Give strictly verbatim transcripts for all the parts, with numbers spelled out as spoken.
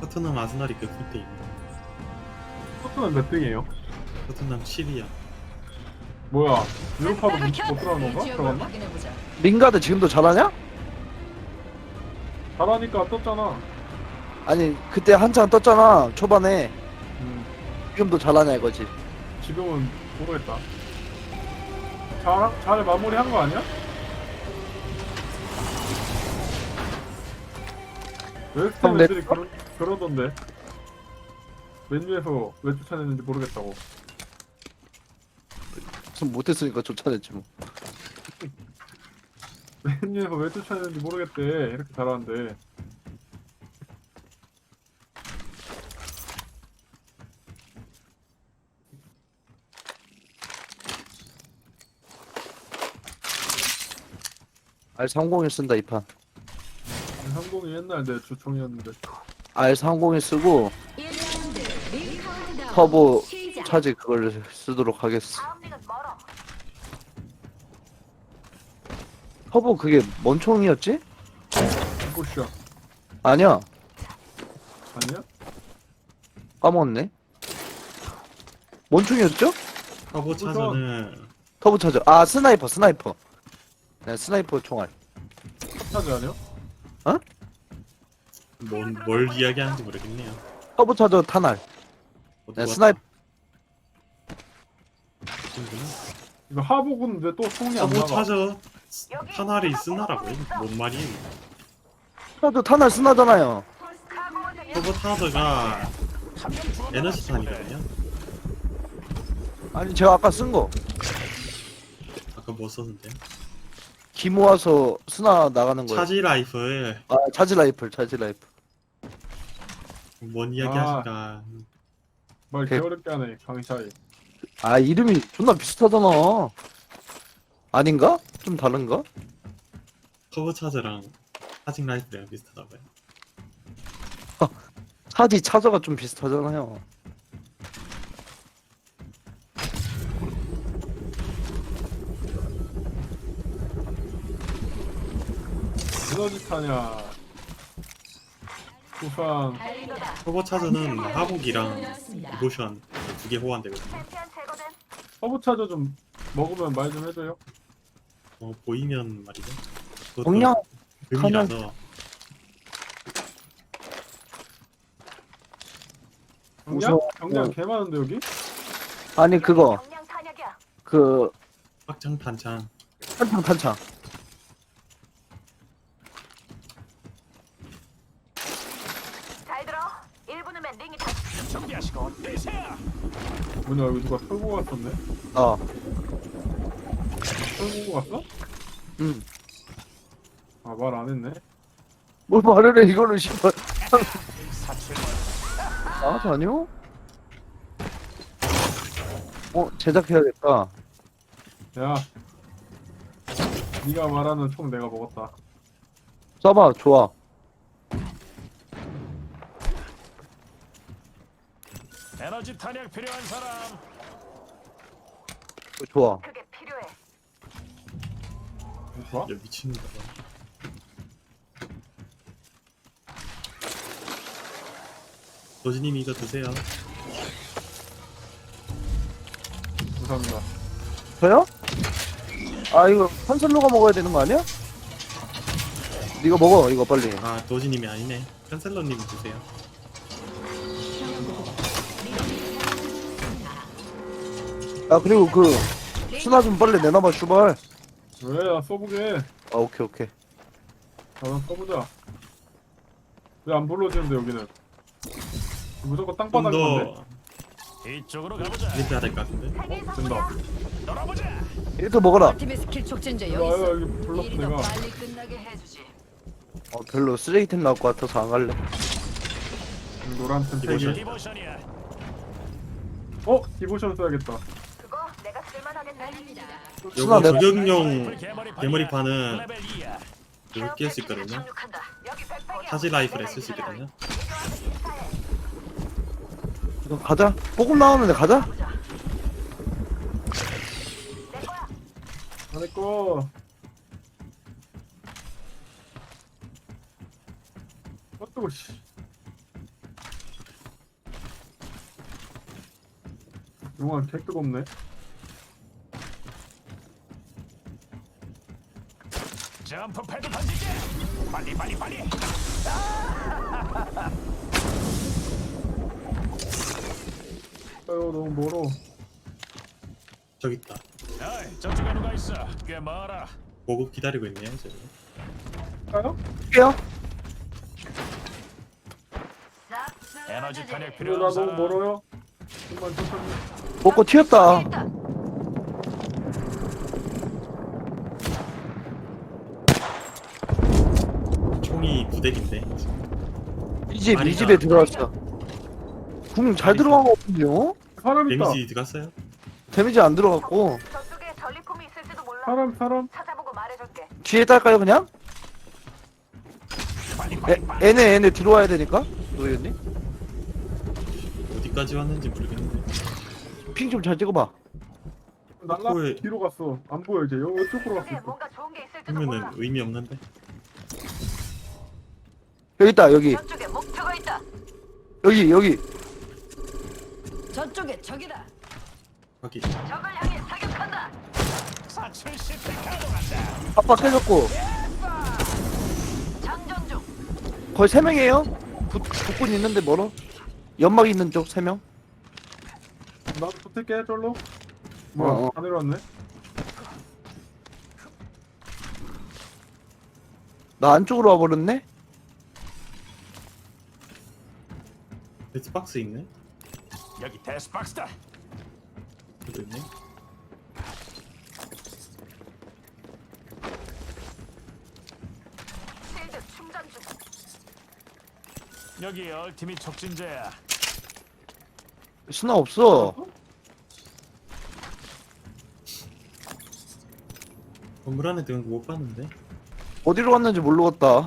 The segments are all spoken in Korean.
토트넘 아스날이 그 밑에 있네. 토트넘 몇 등이에요? 토트넘 십 위야. 뭐야? 유로파도 못, 못 들어가는 건가? 들어갔나? 링가드 지금도 잘하냐? 잘하니까 떴잖아. 아니 그때 한창 떴잖아 초반에. 음, 지금도 잘하냐 이거지. 지금은 모르겠다. 잘, 잘 마무리한 거 아니야? 웨스트햄 근데- 애들이 그러, 그러던데. 맨유에서 왜 쫓아냈는지 모르겠다고. 좀 못했으니까 쫓아냈지 뭐. 맨유에서 왜 쫓아냈는지 모르겠대. 이렇게 잘하는데. 알 삼십일 쓴다 이 판. 상공이 옛날 내 주총이었는데. 알 삼십일 쓰고 터보 차지 그걸 쓰도록 하겠어. 터보 그게 뭔 총이었지? 꽃이야. 아니야 아니야? 까먹었네. 뭔 총이었죠? 터보 차저는 터보 차지. 아 스나이퍼 스나이퍼. 네 스나이퍼 총알. 차지 아니야? 뭔, 뭘 이야기하는지 모르겠네요. 터보 차저 탄알. 어디 네 왔다. 스나이퍼. 친구는? 이거 하복은 왜 또 총이 안 터보 나가? 차저 탄알이 쓰나라고요? 뭔 말이에요? 차저 탄알 쓰나잖아요. 터보 차저가 에너지 탄이거든요. 아니 제가 아까 쓴 거. 아까 뭐 썼는데요? 기 모아서 스나 나가는 거예요. 차지 라이플 아 차지 라이플 차지 라이플. 뭔 이야기 아. 하실까? 말 오케이. 개어렵게 하네 강샤이. 아 이름이 존나 비슷하잖아. 아닌가? 좀 다른가? 터보 차저랑 차징 라이플이랑 비슷하다고요. 차지 차저가 좀 비슷하잖아요. 에너지 타냐? 부상. 터보 차저는 하복이랑 디보션 두 개 호환되거든요. 서브차저 좀 먹으면 말 좀 해줘요. 어, 보이면 말이죠. 그것도 동양 금이라서 경량? 우선- 경량 어. 개 많은데 여기? 아니 그거 그 확장 탄창 탄창 탄창. 잘 들어. 일 분 후면 링이 다 뭐냐 여기 누가 털고 갔었네? 어. 털고 갔어? 음. 아 말 안 했네. 뭘 말을 해 이거는 씨발. 아 아니요? 어 제작해야겠다. 야, 네가 말하는 총 내가 먹었다. 써봐 좋아. 에너지 탄약 필요한 사람. 좋아. 그게 필요해. 좋아? 야 미친다. 도지님이 이거 드세요. 감사합니다. 저요? 아 이거 컨설로가 먹어야 되는 거 아니야? 이거 먹어 이거 빨리. 아 도지님이 아니네. 캔슬러님이 드세요. 아 그리고 그 수나 좀 빨리 내놔봐 슈발. 왜? 나 써보게. 아 오케이 오케이. 나는 써보자. 왜 안 불러주는데 여기는? 무조건 땅바닥인 건데? 좀더 이쪽으로 가보자. 이렇게 해야 될 것 같은데. 어? 된다. 놀아보자. 이렇게 먹어라. 팀의 스킬 촉진제 야, 여기 야, 있어. 여기 불렀어 일이 더 내가. 빨리 끝나게 해주지. 어 별로 쓰레기템 나올 것 같아서 안 갈래. 여기 노란 템 세 개. 디보션. 디보션이야. 어? 디보션 써야겠다. 그거 내가 쓸만하겠네. 수나 요거 내가 저격용 개머리판이야. 개머리판은 레벨 이야. 이거 낄 수 있거든요. 착륙한다. 여기 백팩이야. 차지 라이플에 쓸 수 있거든요. 이거 가자. 보급 나오는데 가자. 보자. 내 거야. 안에 거. 어 뜨거 씨. 용아 개 뜨겁네. 점프 패드 던지게. 빨리 빨리 빨리. 아유 너무 멀어. 저기 있다. 어이, 저쪽에 누가 있어? 꽤 멀어. 보급 기다리고 있네요 저기. 가요? 할게요. 에너지 탄약 이거 필요한 나 너무 사람. 멀어요. 좀만 천천히. 먹고 튀었다. 있다. 총이 부대기인데. 이 집, 이 아니다. 집에 들어왔어. 궁 잘 들어간 거 같은데요? 사람 있다. 데미지 들어갔어요? 데미지 안 들어갔고. 저쪽에 전리품이 있을지도 몰라. 사람 사람. 찾아보고 말해줄게. 뒤에 딸까요, 그냥? 빨리 애, 빨리 빨리. 애네, 애네 들어와야 되니까? 노예님? 어디까지 왔는지 모르겠는데. 핑 좀 잘 찍어봐. 날라 코에- 뒤로 갔어. 안 보여 이제. 여기 이쪽으로 저쪽에 갔어. 뭔가 좋은 게 있을지도 그러면은 몰라. 의미 없는데. 여기 있다, 여기. 저쪽에 목표가 있다. 여기, 여기. 저쪽에 적이다. 거기. 적을 향해 사격한다. 사출 시스템 가동한다. 아빠 깨졌고. 장전 중. 거의 세 명이에요? 부, 북군 있는데 멀어? 연막 있는 쪽 세 명? 나도 붙을게 절로. 뭐야? 어, 어. 다 내려왔네. 나 안쪽으로 와버렸네? 데스박스 있네. 여기 데스박스다. 저도 있네. 실드 충전 중. 여기 얼티밋 촉진제야. 스나 없어. 건물 안에 들어간 거 못 봤는데. 어디로 갔는지 모르겠다.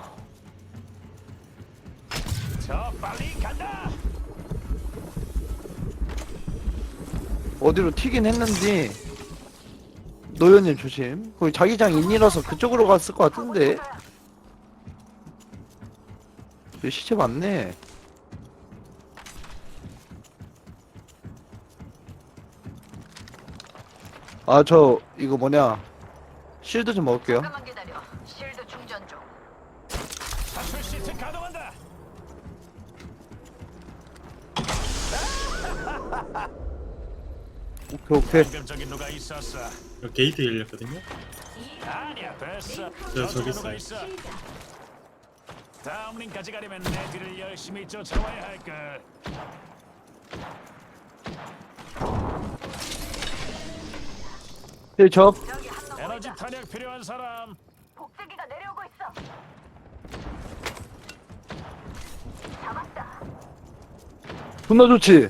저 빨리 간다. 어디로 튀긴 했는지. 노현님 조심. 거기 자기장 인이라서 그쪽으로 갔을 것 같은데. 여기 시체 많네. 아, 저, 이거 뭐냐. 실드 좀 먹을게요. 잠깐만 기다려. 실드 충전 중. 사출 시스템 가동한다. 오케이, 오케이. 방금 저기 누가 있었어? 여기 게이트 열렸거든요. 아니야 됐어. 저, 저쪽에 저기 누가 있어? 다음 링까지 가려면 내 뒤를 열심히 쫓아와야 할 걸. 네, 적. 저기 한놈 에너지 보인다. 탄약 필요한 사람. 복제기가 내려오고 있어. 잡았다. 존나 좋지?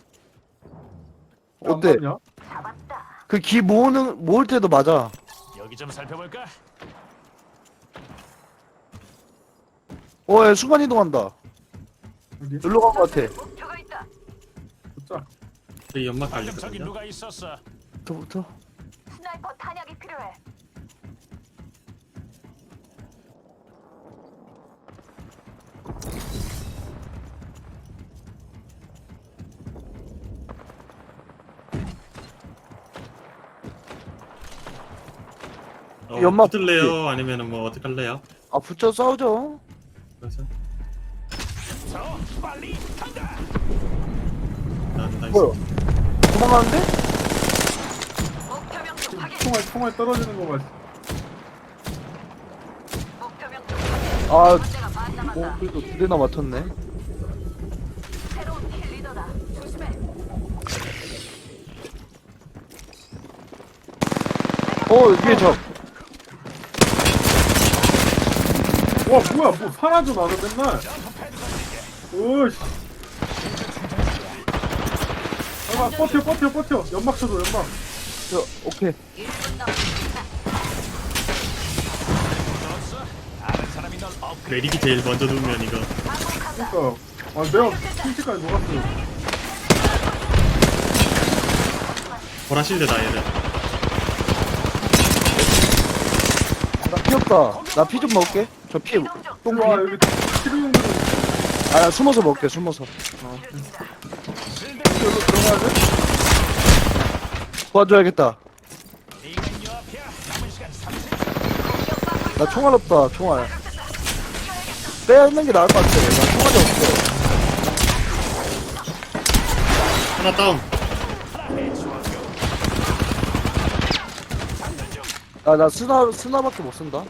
어때? 냐 잡았다. 그 기 모으는, 모을 때도 맞아. 여기 좀 살펴볼까? 어, 야, 순간 이동한다. 어디? 놀러 간 것 같아. 목표가 있다. 붙자. 여기 연막 방금 저기 깔렸거든요. 누가 있었어? 부터. 스나이퍼 탄약이 필요해. 어, 연막 붙을래요? 아니면은 뭐 어떻게 할래요? 아, 붙여 싸우죠. 그래서 저 빨리 간다. 난 나이스. 뭐야? 도망가는데? 목표 명중 확인. 총알 총알 떨어지는 거 봐. 목표 명중 확인. 아, 문제가 반 남았다. 어, 그래도 두 대나 맞췄네. 새로운 킬 리더다. 조심해. 어, 위에 적. 와 뭐야 뭐 사라져 나는 맨날. 오씨. 아 버텨 버텨 버텨. 연막 쳐줘 연막. 저, 오케이. 일 분 남았다. 들었어? 아는 사람이 널 업그레이드. 메릭이 제일 먼저 누우면 이거 반복한다. 그러니까 아 내가 핑치까지 녹았어요. 보라실드다 얘들. 나 피 없다. 나 피 좀 먹을게. 저 피, 이동 중. 똥피. 와 여기 치료용으로 아, 숨어서 먹을게, 숨어서. 실드 여기로 들어가야 돼? 도와줘야겠다. 이건 요 앞이야. 남은 시간 삼십 초. 나 총알 없다, 총알. 빼야 있는 게 나을 것 같아. 나 총알이 없어. 하나 다운. 나, 나 스나, 스나밖에 못 쓴다.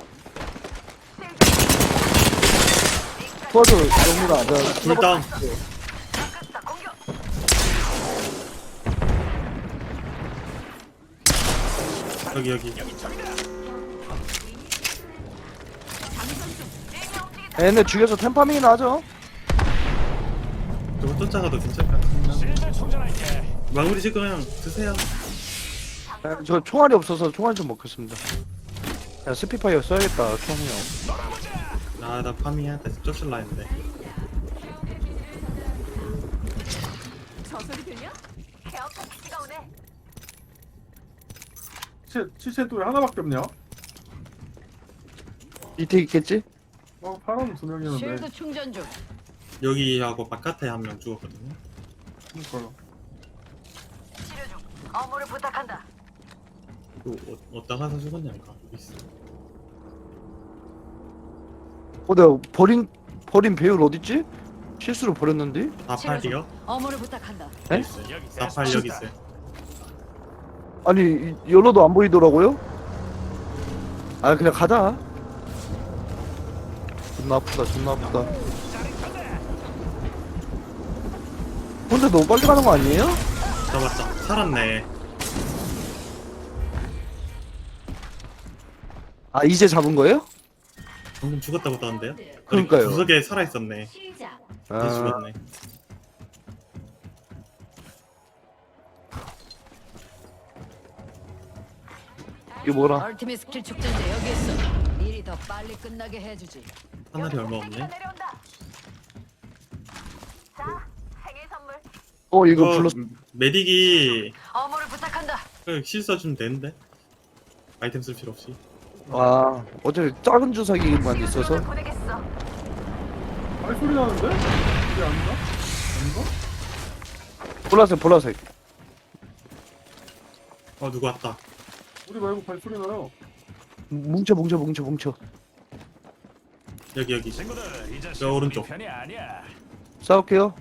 도와줘, 영민아. 내가 둘 다운. 여기 여기. 얘네 죽여서 템파밍이나 하죠. 저거 쫓아가도 괜찮을 것 같습니다. 실드 충전할게. 마무리 지금 그냥 드세요. 네, 저 총알이 없어서 총알 좀 먹겠습니다. 야, 스피파이어 써야겠다, 총이요. 아, 나 파밍해야 돼. 쫓을라 했는데. 저 소리 들려? 케어 패키지가 오네. 시체 시체 또 왜 하나밖에 없냐? 밑에 있겠지? 어 파란 두 명이었는데. 쉴드 충전 중. 여기하고 바깥에 한 명 죽었거든요. 그러니까요. 치료 중. 어무를 부탁한다. 또 어, 어디다 가서 죽었냐니까. 여기 있어. 어, 내가 버린, 버린 배율 어딨지? 실수로 버렸는데? 사팔이요? 어무를 부탁한다. 네? 있어요. 여기 사팔 여기 있어요. 아니, 이- 열어도 안 보이더라고요? 아, 그냥 가자. 존나 아프다, 존나 아프다. 근데 너무 빨리 가는 거 아니에요? 잡았다. 살았네. 아, 이제 잡은 거예요? 방금 죽었다고 떠는데요? 그러니까요. 구석에 살아있었네. 아, 다시 죽었네. 이게 뭐라? 얼티밋 스킬 축전제 여기 있어. 일이 더 빨리 끝나게 해주지. 하늘이 얼마 없네. 내려온다. 자, 생일 선물. 어, 이거 어, 불렀어. 메딕이 어무를 부탁한다. 그 실수주면 되는데? 아이템 쓸 필요 없이. 아, 어차피 작은 주사기만 있어서. 보내겠어. 발소리 나는데? 이게 아닌가? 아닌가? 보라색, 보라색. 어, 누구 왔다. 우리 말고 발소리 나요. 뭉쳐, 뭉쳐, 뭉쳐, 뭉쳐. 여기, 여기. 친구들 이제 저 오른쪽. 편이 아니야. 싸울게요.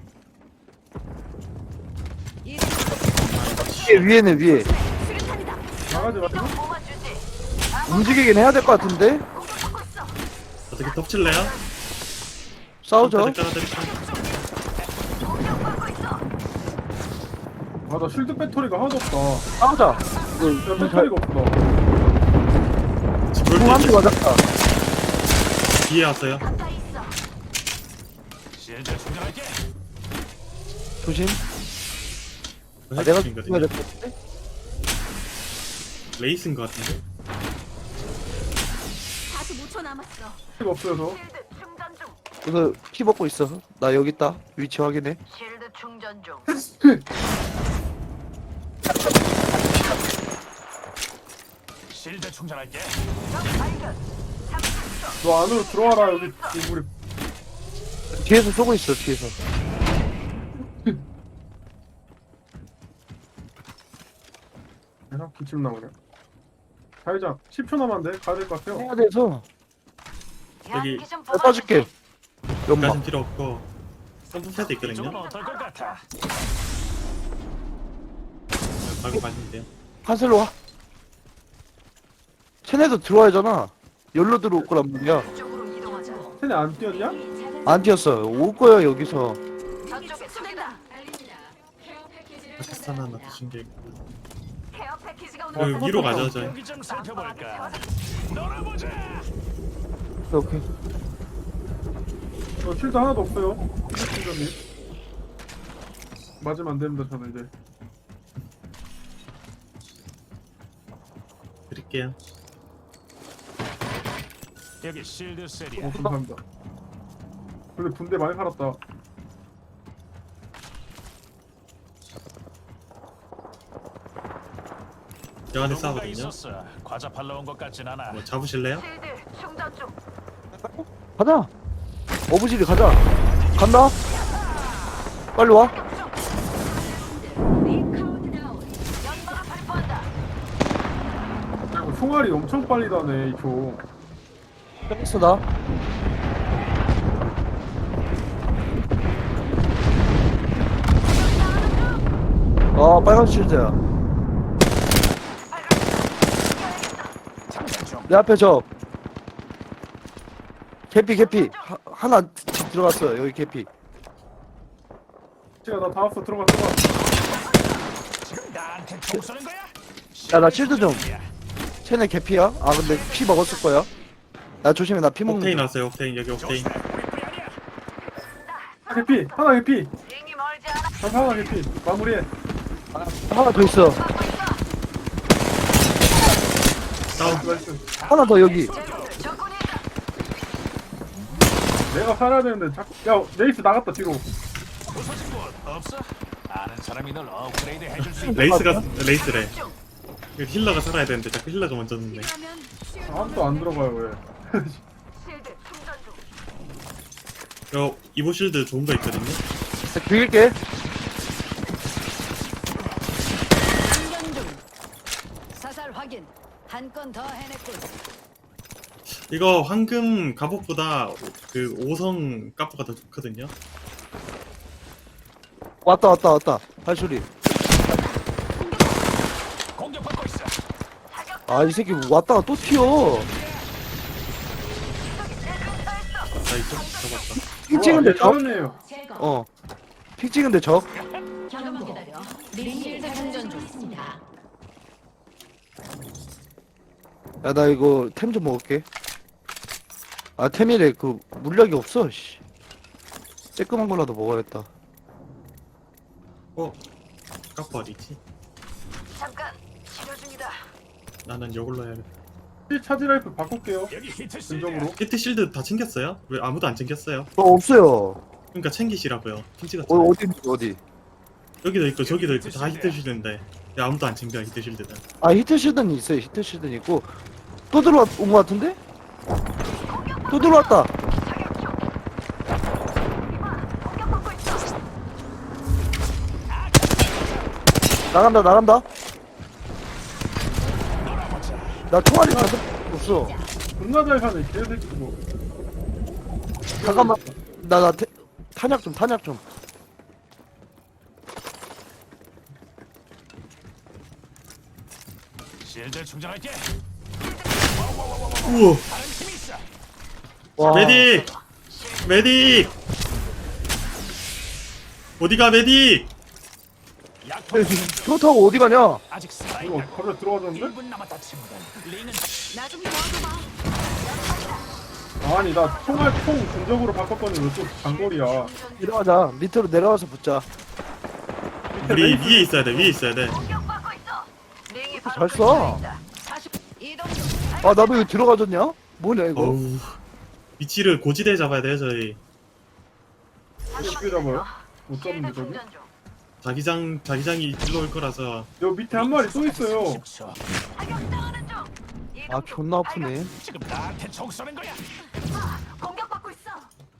위에, 위에는 위에. 수류탄이다. 나가지 마시고. 뽑아주지. 움직이긴 해야 될 것 같은데? 공격받고 있어. 어떻게 덮칠래요? 싸우죠. 깔아드릴까? 공격받고 있어. 아나 쉴드 배터리가 하나도 없다. 싸우자. 야 배터리가 없다. 지금 궁한대 볼 맞았다. 뒤에 왔어요. 가까이 있어. 실드 충전할게. 조심. 아, 아, 내가 거든요 죽어야 될 것 같은데? 레이스인 것 같은데? 사십오 초 남았어. 배터리가 없어요 저. 쉴드 충전 중. 그래서 피 먹고 있어. 나 여기 있다. 위치 확인해. 쉴드 충전 중. 실드 충전할게. 적 발견. 삼십 초. 너 안으로 들어와라 여기 우리. 뒤에서 쏘고 있어, 뒤에서. 계속 기침 나오네. 자회장 십 초 남았는데 가야 될 것 같아요. 해야 돼서. 여기 대한기 좀 내가 쏴줄게. 연막. 여기까진 필요 없고 점프패드 이쪽은 있거든요. 어떨 것 같아? 바로 가시면 돼요. 한슬로 와. 쟤네도 들어와야 하잖아. 열로 들어올 거란 말이야. 쪽으로 이동하자. 쟤네 안 뛰었냐? 안 뛰었어. 올 거야, 여기서. 저쪽에 쏜다. 파키스탄 하나 드신 게 있고. 케어 패키지가 어, 오늘 위로 가죠, 저희. 여기 좀 살펴볼까? 놀아보자. 오케이. 저 쉴드 하나도 없어요. 팀장님. 맞으면 안 됩니다 저는 이제. 드릴게요. 여기 실드 어 셀이야. 감사합니다. 근데 분대 많이 살았다. 저 안에 누군가 싸거든요. 있었어. 과자 팔러 온 것 같진 않아. 뭐 잡으실래요? 쉴드 충전 중. 가자. 어부지리 가자. 간다. 빨리 와. 연막을 발포한다. 총알이 엄청 빨리 다네 이총. 뺐어 나. 아 빨간 실드야. 내 앞에 저 개피 개피 하, 하나 집 들어갔어요. 여기 개피. 제가 나 다 왔어. 들어가 들어가. 지금 나한테 총 쏘는 거야? 야 나 실드 좀. 쟤네 개피야? 아 근데 피 먹었을 거야. 야 조심해 나 피 먹는 옥테인 중. 왔어요. 옥테인 여기 옥테인. 조심해, 우리뿐이 아니야. 아, 개피 하나 개피. 링이 멀지 않아. 잠 하나 개피. 마무리해. 하나 더 있어. 다운. 나이스. 하나 더 여기. 적군이 있다. 내가 살아야 되는데 자꾸. 야 레이스 나갔다 뒤로. 부서진 곳 없어? 아는 사람이 널 업그레이드 해줄 수 있다. 레이스가 레이스래. 그 힐러가 살아야 되는데 자꾸 힐러가 먼저 죽네. 필요하면 쉴드 아무도 안 들어가요 왜? 실드 충전 중. 요 이보 실드 좋은 거 있거든요. 죽일게. 충전 중. 사살 확인. 한 건 더 해냈군. 이거 황금 갑옷보다 그 오성 까프가 더 좋거든요. 왔다 왔다 왔다. 발소리. 공격받고 있어. 아 이 새끼 왔다가 또 튀어. 나이스 잡았다. 픽 찍은데 적? 다운이에요. 제거. 어. 픽 찍은데 적? 잠깐만 기다려. 링실드 충전 중 있습니다. 야 나 이거 템 좀 먹을게. 아 템이래 그 물약이 없어. 씨. 쬐끄만 거라도 먹어야겠다. 어? 까프 어디지? 잠깐 치료 중이다. 나는 이걸로 해야겠다. 이 차지 라이프 바꿀게요. 여기 히트 실드. 진정으로. 히트 실드 다 챙겼어요? 왜 아무도 안 챙겼어요? 어 없어요. 그러니까 챙기시라고요. 팀 찍었잖아. 어 어디 어디? 여기도 있고 저기도 있고 다 히트 실드인데 왜 아무도 안 챙겨 히트 실드는. 아 히트 실드는 있어요. 히트 실드는 있고 또 들어온 거 같은데? 또 들어왔다. 공격받고 있어. 나간다 나간다. 나 총알이 가득 없어. 존나 잘 사네 개새끼 뭐. 잠깐만. 나 나 탄약 좀 탄약 좀. 실드 충전할게. 우와. 다른 팀이 있어. 와. 메딕! 메딕! 어디가 메딕! 약품 그렇다고 어디 가냐? 아직 이거 살아있다. 거기에 들어가졌는데? 일 분 남았다 친구들. 링은 나 좀 도와줘봐. 아니 나 총알 총 중적으로 바꿨더니 왜 또 장거리야. 내려가자. 밑으로 내려가서 붙자. 우리 위에 있어야 돼 위에 있어야 돼. 공격받고 있어. 링이 바로 잘 써. 근처에 있다. 사십 이동 중. 아 나도 이거 들어가졌냐? 뭐냐 이거? 어우 위치를 고지대에 잡아야 돼요 저희. 어떻게 잡아요? 못 잡는데 실드 저기? 충전 중. 자기장 자기장이 일로 올 거라서. 여기 밑에 한 마리 또 있어요. 십 초. 타격당하는 중. 이동 아 중. 존나 아프네. 지금 나한테 총 쏘는 거야. 공격받고 있어.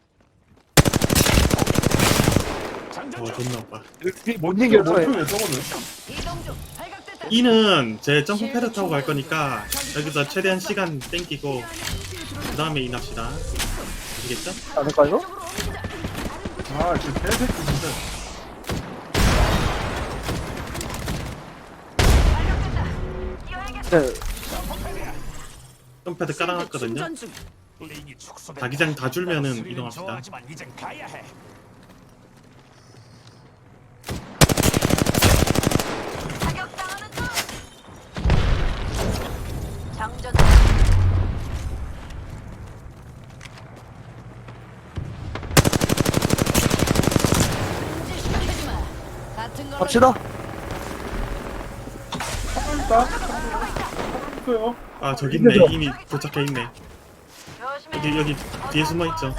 장전 어 중. 존나 아파. 못 이겼어. 원총이야 저거는. 이동 중. 발각됐다. 이는 제 점프패드 타고 갈 거니까 여기서 최대한 시간 땡기고 그 다음에 인합시다. 아시겠죠? 않을까 이거? 아그 개새끼 진짜. 네. 점프패드 깔아놨거든요. 충전 중. 링이 축소된. 자기장 다 줄면은 이동합시다. 좋아하지만 이젠 가야 해. 타격당하는 중. 장전. 시키지 마. 같은 거. 갑시다. 한번 있다. 있어요. 아 저기 있네. 이미 도착해 있네. 조심해. 여기 여기 뒤에 숨어 있죠.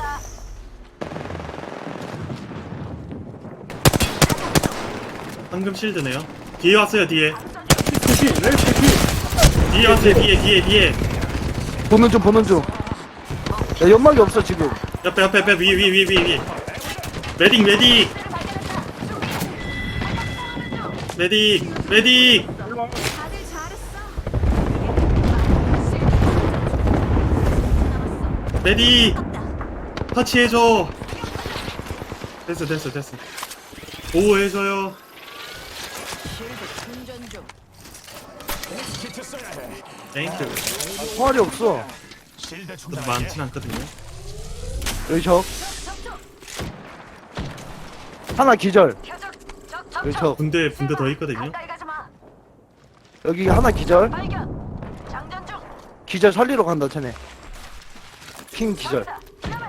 황금 실드네요. 뒤에 왔어요 뒤에. 개피 레이스 개피. 뒤에 왔어요 뒤에 뒤에 뒤에. 보는 중 보는 중. 야 연막이 없어 지금. 옆에 옆에 옆에 위에 위에 위에 위에 위에. 메딕 메딕. 메딕 메딕. 일로 와. 다들 잘했어. 레디 터치해줘. 됐어 됐어 됐어. 보호해줘요. 쉴드 충전 중. 키트 써야 해. 땡큐. 총알이 없어. 실드 저도 충전할게. 많진 않거든요. 여기 적. 적중. 하나 기절. 표적. 적 여기 적중. 적. 군대 군대 더 있거든요. 가까이 가지 마. 여기 하나 기절. 발견. 장전 중. 기절 살리러 간다 쟤네. 핑 기절. 전사. 위험해.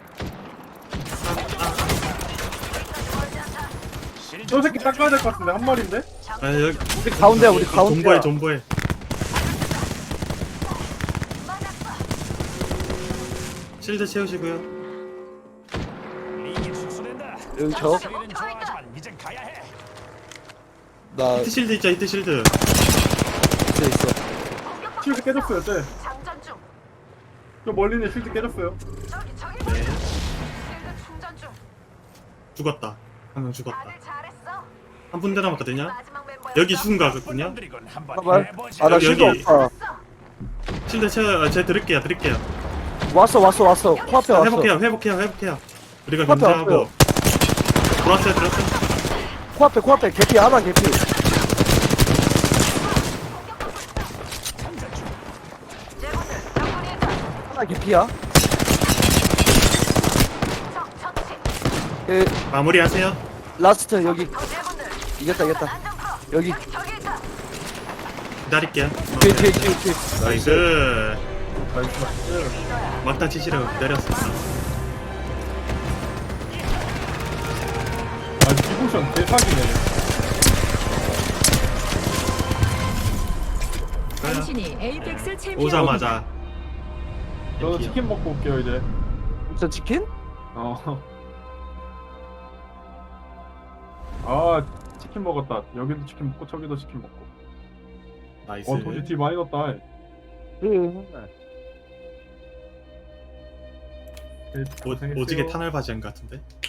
멀지 않다. 실드 저 새끼 닦아야 될 것 같은데 한 마리인데? 아 여기 우리 가운데야 우리 가운데야. 존버해 존버해. 맞았어. 실드 채우시고요. 링이 축소된다. 여기 적. 스릴은 좋아하지만 이젠 가야 해. 나 히트 실드 있죠 히트 실드. 있어 있어. 실드 깨졌어요 쟤. 장전 중. 저 멀리 있는 실드 깨졌어요. 저기 저기. 네. 실드 충전 중. 죽었다. 한 명 죽었다. 다들 잘했어. 한 분대 남았거든요. 마지막 멤버야. 여기 죽은 거 같거든요. 놈들이군. 한번 잠깐만. 해보지. 아나 여기, 실드 여기. 없다. 실드 채워. 아, 제가 드릴게요 드릴게요. 왔어 왔어 왔어. 코앞에 왔어. 회복해요 회복해요 회복해요. 우리가 코앞에 견제하고. 왔어요. 들어왔어요 들어왔어요. 코앞에 코앞에 개피 하나 개피. 제분들 정군이다. 하나 개피야. 적 처치. 예, 마무리하세요. 라스트 여기 더 제분들. 이겼다 이겼다. 안전 풀어. 여기 저기 저기 있다. 기다릴게요. 뒤에 뒤에 뒤에 뒤에. 나이스. 리더야. 막타 치시라고 기다렸습니다. 아 디보션 대사기네. 당신이 에이펙스 챔피언. 오자마자 저도 치킨 먹고 올게요 이제. 저 치킨? 어. 아 치킨 먹었다. 여기도 치킨 먹고 저기도 치킨 먹고. 나이스. 어 도지 딜 많이 넣었다. 응. 오, 오지게 탄알 바지한 것 같은데.